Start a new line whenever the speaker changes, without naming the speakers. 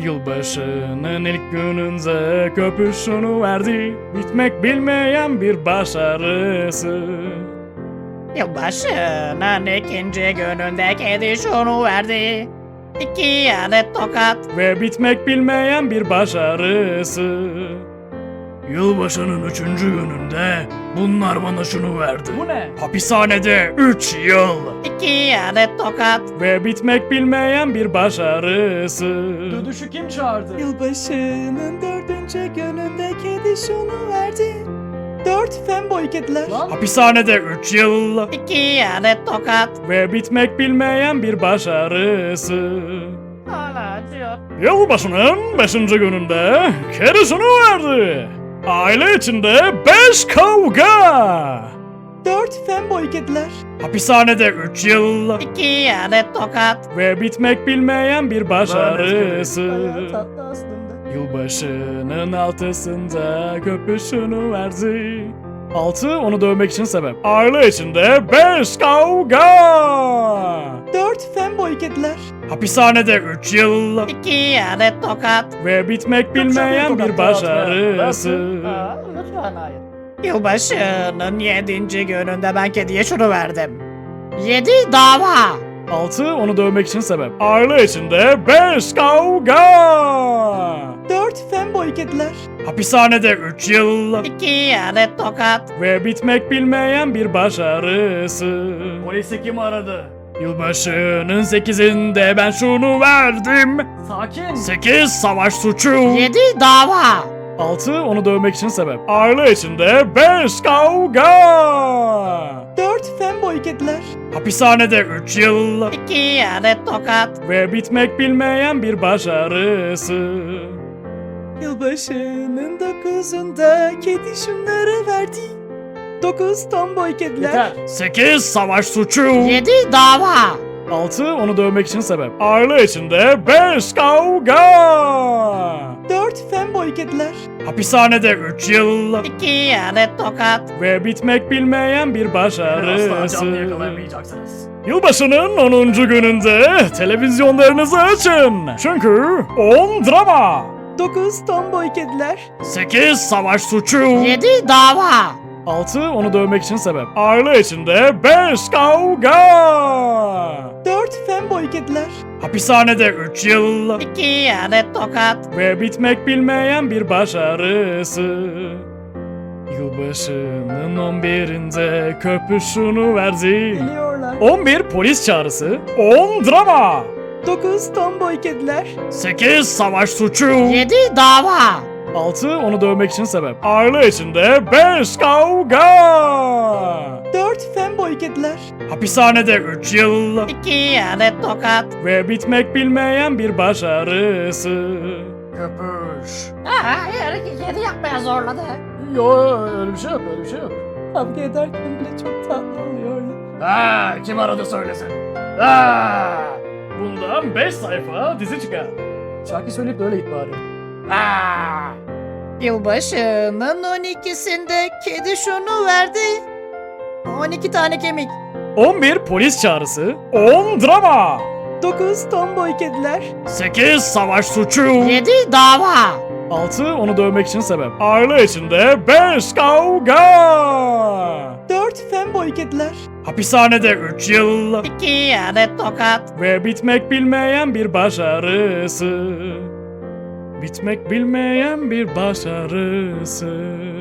Yılbaşının ilk gününde köpüşünü verdi. Bitmek bilmeyen bir başarısı.
Yılbaşının ikinci gününde kedi şunu verdi. 2 adet tokat.
Ve bitmek bilmeyen bir başarısı. Yılbaşının 3. gününde bunlar bana şunu verdi.
Bu ne?
Hapishanede 3 yıl.
2 adet tokat.
Ve bitmek bilmeyen bir başarısı.
Dödüşü kim çağırdı?
Yılbaşının 4. gününde kedi şunu verdi. 4 femboy kediler.
Lan
Hapishanede 3 yıl.
2 adet tokat.
Ve bitmek bilmeyen bir başarısı.
Hala acıyor.
Yılbaşının 5. gününde kedi şunu verdi. Aile içinde 5 kavga.
4 femboy kediler.
Hapishanede 3 yıl.
2 adet tokat.
Ve bitmek bilmeyen bir başarısı.
Bayağı tatlı aslında.
Yılbaşının 6'sında köpüşünü verdi. 6 onu dövmek için sebep. Aile içinde 5 kavga.
4 femboy kediler.
Hapishanede 3 yıl.
2 adet tokat.
Ve bitmek bilmeyen bir başarısı.
lütfen hayır.
Yılbaşının 7. gününde ben kediye şunu verdim. 7 dava.
6 onu dövmek için sebep. Aile içinde 5 kavga.
4 femboy kediler.
Hapishanede 3 yıl.
2 adet tokat.
Ve bitmek bilmeyen bir başarısı.
Polisi kim aradı?
Yılbaşının 8'inde ben şunu verdim.
Sakin.
8 savaş suçu.
7 dava.
6 onu dövmek için sebep. Aile içinde 5 kavga.
4 femboy kediler.
Hapishanede 3 yıl.
2 adet tokat.
Ve bitmek bilmeyen bir başarısı.
Yılbaşının 9'unda kedi şunları verdi. 9 tomboy kediler.
Yeter.
8 savaş suçu.
7 dava.
6 onu dövmek için sebep. Aile içinde 5 kavga.
4 femboy kediler.
Hapishanede 3 yıl.
2 adet tokat.
Ve bitmek bilmeyen bir
Asla
başarısı.
canlı yakalayamayacaksınız.
Yılbaşının 10. gününde televizyonlarınızı açın. Çünkü 10 drama.
9 tomboy kediler.
8 savaş suçu.
7 dava.
6 onu dövmek için sebep. Aile içinde 5 kavga.
4 femboy kediler.
Hapishanede 3 yıl.
2 adet tokat.
Ve bitmek bilmeyen bir başarısı. Yılbaşının 11'inde köpüşünü verdi.
Geliyorlar.
11 polis çağrısı. 10 drama.
9 tomboy kediler.
8 savaş suçu.
7 dava.
6 onu dövmek için sebep. Aile içinde 5 kavga.
4 femboy kediler.
Hapishanede 3 yıl.
2 adet tokat.
Ve bitmek bilmeyen bir başarısı.
Köpüş.
Hayır, kedi yapmaya zorladı.
Yo öyle bir şey yok öyle bir şey yok.
Kavga ederken bile çok tatlı oluyorlar.
Ha kim aradı söylesin. Ha.
Bundan 5 sayfa dizi çıkar.
Şarkı söyleyip de öyle git bari.
Aa! Yılbaşının 12'sinde kedi şunu verdi. 12 tane kemik.
11 polis çağrısı. 10 drama.
9 tomboy kediler.
8 savaş suçu.
7 dava.
6 onu dövmek için sebep. Aile içinde 5 kavga.
4 femboy kediler.
Hapishanede 3 yıl.
2 adet tokat.
Ve bitmek bilmeyen bir başarısı. Bitmek bilmeyen bir başarısı.